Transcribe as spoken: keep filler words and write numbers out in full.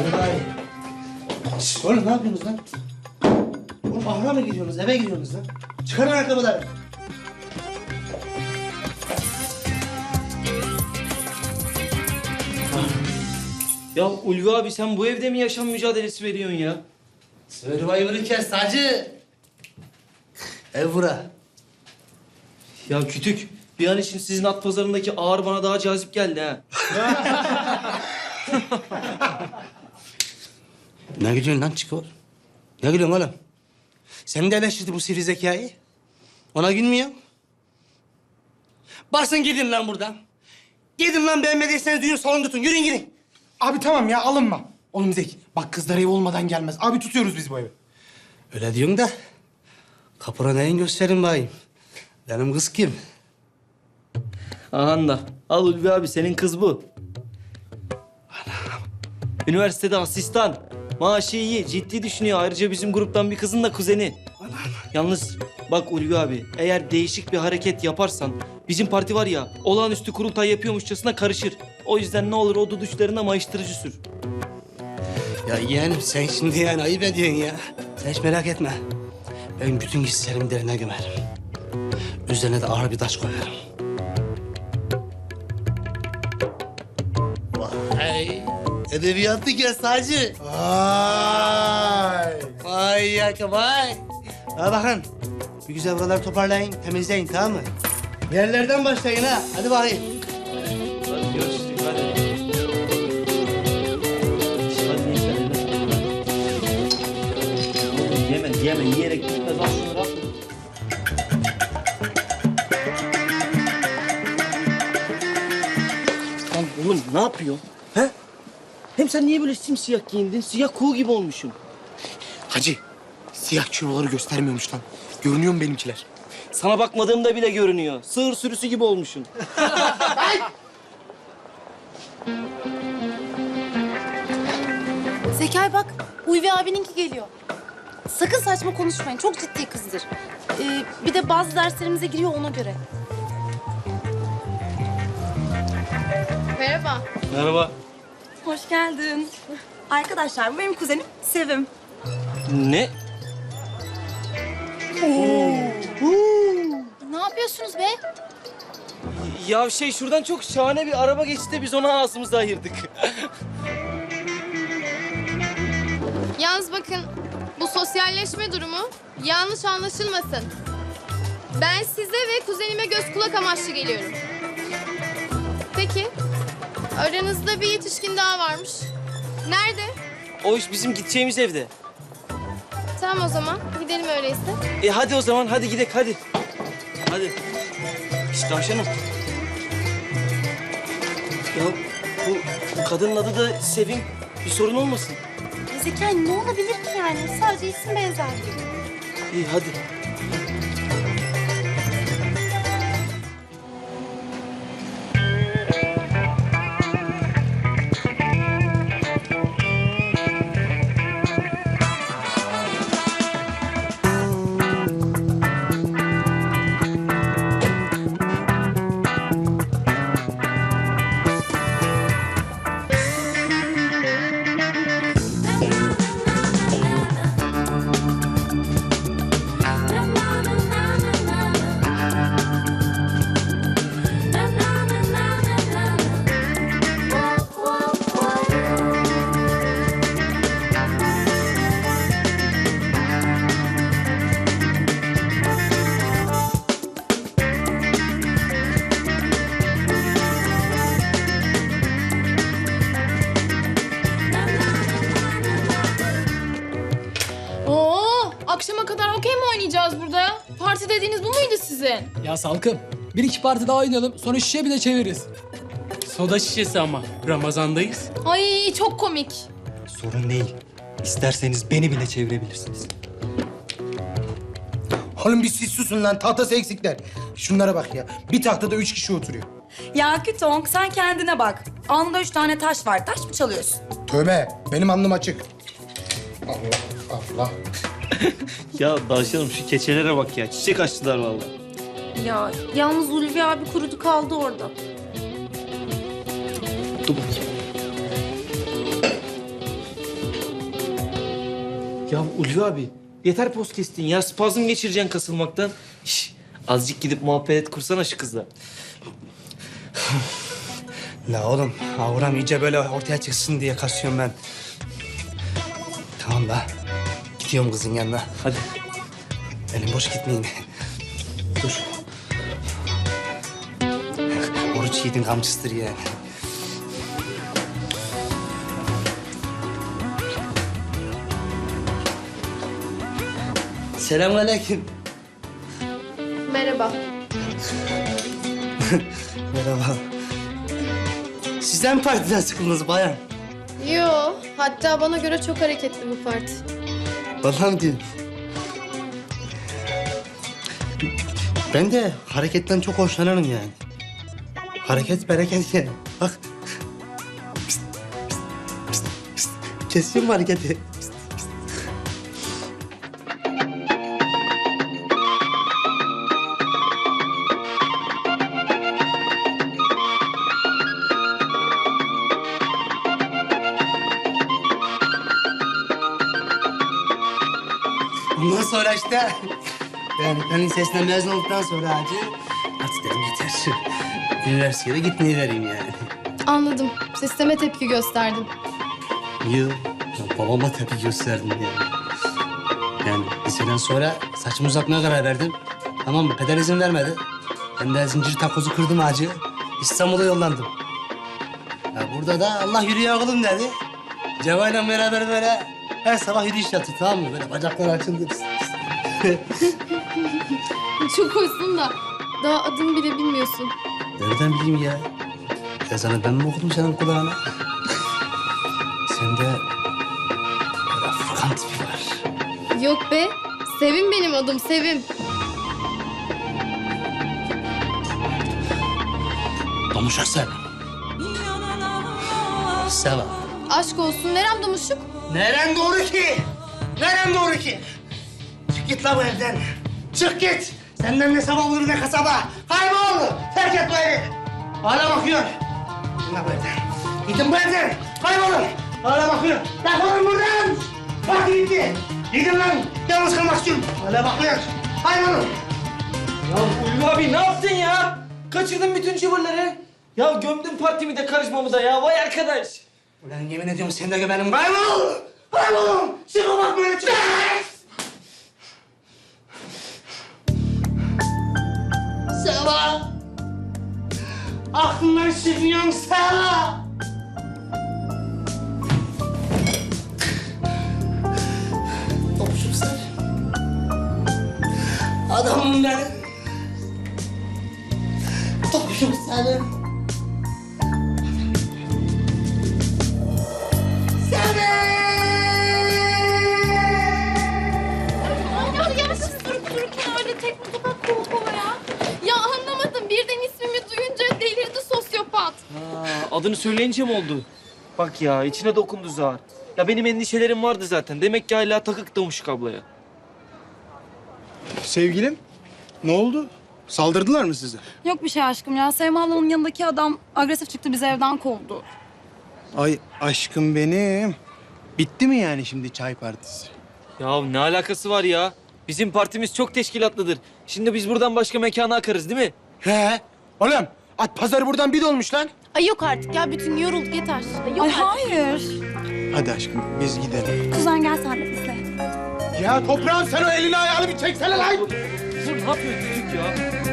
Merhaba. Şşş, oğlum ne yapıyorsunuz lan? Oğlum ahıra mı gidiyorsunuz, eve gidiyorsunuz lan? Çıkarın ayakkabıları. Ya Ulvi abi sen bu evde mi yaşam mücadelesi veriyorsun ya? Survivor'ı kes hacı. Ev bura. Ya Kütük, bir an için sizin at pazarındaki ağır bana daha cazip geldi ha. Ne gülüyorsun lan Çiko? Ne gülüyorsun oğlum? Sen de eleştirdi bu sivri zekayı. Ona gülmüyor. Basın gidin lan buradan. Gidin lan beğenmediyseniz düğün salonu tutun. Yürüyün gidin. Abi tamam ya alınma. Oğlum Zeki bak kızlar ev olmadan gelmez. Abi tutuyoruz biz bu evi. Öyle diyorsun da kapora neyin gösterin bayım. Benim kız kim? Ahan da. Al Ulvi abi, senin kız bu. Üniversitede asistan. Maaşı iyi, ciddi düşünüyor. Ayrıca bizim gruptan bir kızın da kuzeni. Yalnız bak Ulvi abi, eğer değişik bir hareket yaparsan... bizim parti var ya, olağanüstü kurultay yapıyormuşçasına karışır. O yüzden ne olur o duduşlarına mayıştırıcı sür. Ya yeğenim sen şimdi yani ayıp ediyorsun ya. Sen hiç merak etme. Ben bütün hislerimi derine gömerim. Üzerine de ağır bir taş koyarım. Vay! Edebiyatlı kes hacı. Vay. Vay yaka vay. Ha bakın. Bir güzel buraları toparlayın, temizleyin tamam mı? Yerlerden başlayın ha. Hadi bakayım. Hadi görüşürüz, hadi. Hadi neyse, hadi. Yeme, yeme. Yiyerek gitmez. Al şunları al. Lan oğlum ne yapıyorsun? He? Hem sen niye böyle simsiyah giyindin? Siyah kuğu gibi olmuşsun. Hacı siyah kiloları göstermiyormuş lan. Görünüyor mu benimkiler? Sana bakmadığımda bile görünüyor. Sığır sürüsü gibi olmuşsun. Zekai bak, Ulvi abininki geliyor. Sakın saçma konuşmayın, çok ciddi kızdır. Ee, bir de bazı derslerimize giriyor ona göre. Merhaba. Merhaba. Hoş geldin. Arkadaşlar bu benim kuzenim Sevim. Ne? Ne yapıyorsunuz be? Ya şey şuradan çok şahane bir araba geçti de biz ona ağzımızı ayırdık. Yalnız bakın bu sosyalleşme durumu yanlış anlaşılmasın. Ben size ve kuzenime göz kulak amaçlı geliyorum. Peki aranızda bir yetişkin daha varmış. Nerede? O iş bizim gideceğimiz evde. Tamam o zaman gidelim öyleyse. E hadi o zaman hadi gidelim hadi. Hadi. İşte tavşanım. Ya bu, bu kadının adı da Sevim. Bir sorun olmasın. Ya Zekai ne olabilir ki yani? Sadece isim benzerliği. İyi hadi. Oo, akşama kadar okey mi oynayacağız burada ya? Parti dediğiniz bu muydu sizin? Ya Salkım, bir iki parti daha oynayalım. Sonra şişe bile çeviririz. Soda şişesi ama. Ramazandayız. Ay çok komik. Sorun değil. İsterseniz beni bile çevirebilirsiniz. Oğlum bir siz susun lan tahtası eksikler. Şunlara bak ya. Bir tahtada üç kişi oturuyor. Ya Kütong sen kendine bak. Alnında üç tane taş var. Taş mı çalıyorsun? Tövbe benim alnım açık. Allah Allah. Ya tavşanım şu keçelere bak ya. Çiçek açtılar vallahi. Ya yalnız Ulvi abi kurudu kaldı orada. Dur bakayım. Ya Ulvi abi yeter poz kestin ya. Spazm geçireceksin kasılmaktan. Şş, azıcık gidip muhabbet kursana şu kızla. La oğlum, avram iyice böyle ortaya çıksın diye kasıyorum ben. Tamam da, gidiyorum kızın yanına. Hadi. Elim boş gitmeyeyim. Dur. Oruç yiğidin kamçısıdır yani. Selamünaleyküm. Merhaba. Merhaba. Sizden mi partiden sıkıldınız bayan? Yo, hatta bana göre çok hareketli bu parti. Vallahi mi diyorsun? Ben de hareketten çok hoşlanırım yani. Hareket bereket yani. Bak. Pist, pist, pist, pist. Kesiyorum hareketi. Pist, pist. Ondan sonra işte yani ben lisesinden mezun olduktan sonra hacı artık dedim yeter. Üniversiteye de gitmeyi vereyim yani. Anladım. Sisteme tepki gösterdin. Yıl ya babama tepki gösterdim yani. Yani liseden sonra saçımı uzatmaya karar verdim. Tamam mı? Peder izin vermedi. Ben de zincir takozu kırdım hacı. İstanbul'a yollandım. Ya burada da Allah yürüye oğlum dedi. Cevayla beraber böyle her sabah yürüyüş yaptık tamam mı? Böyle bacaklar açıldı. Çok hoşsun da daha adım bile bilmiyorsun. Nereden bileyim ya? Ezanı ben mi okudum senin kulağına? Sende böyle Furkan tipi var. Yok be. Sevim benim adım, Sevim. Domuşak sen. Seva. Aşk olsun. Nerem domuşuk? Neren doğru ki? Neren doğru ki? Çık git la bu evden. Çık git. Senden ne sabah olur ne kasaba. Kaybol. Terk et bu evi. Hala bakıyor. Gidin la bu evden. Gidin bu evden. Kaybolun. Hala bakıyor. Defolun buradan. Bak gitti. Gidin lan. Yalnız kalmak istiyorum. Hala bakıyor. Kaybolun. Ya Ulvi abi ne yaptın ya? Kaçırdın bütün cıvırları. Ya gömdün partimi de karışmamıza ya. Vay arkadaş. Ulan yemin ediyorum sen de benim. Kaybol. Kaybolun. Çıkın bak böyle çıkın. Seva. Aklından çıkmıyorum Seva. Topçuk sen. Adamım benim. Topçuk senin. Ya ya siz durup dururken öyle tekme tokat kol kola ya. Ya anlamadım. Birden ismimi duyunca delirdi sosyopat. Ha, adını söyleyince mi oldu? Bak ya içine dokundu zar. Ya benim endişelerim vardı zaten. Demek ki hala takık Domuşuk ablaya. Sevgilim, ne oldu? Saldırdılar mı size? Yok bir şey aşkım ya. Sevim ablanın yanındaki adam agresif çıktı, bizi evden kovdu. Ay aşkım benim. Bitti mi yani şimdi çay partisi? Ya ne alakası var ya? Bizim partimiz çok teşkilatlıdır. Şimdi biz buradan başka mekana akarız değil mi? He? Oğlum, at pazarı buradan bir dolmuş lan. Ay yok artık ya bütün yorulduk yeter. Ay, yok Ay artık. hayır. Hadi aşkım, biz gidelim. Kuzen gel sen de bizle. Ya toprağım sen o elini ayağını bir çeksene lan. Dur ne yapıyorsun çocuk ya?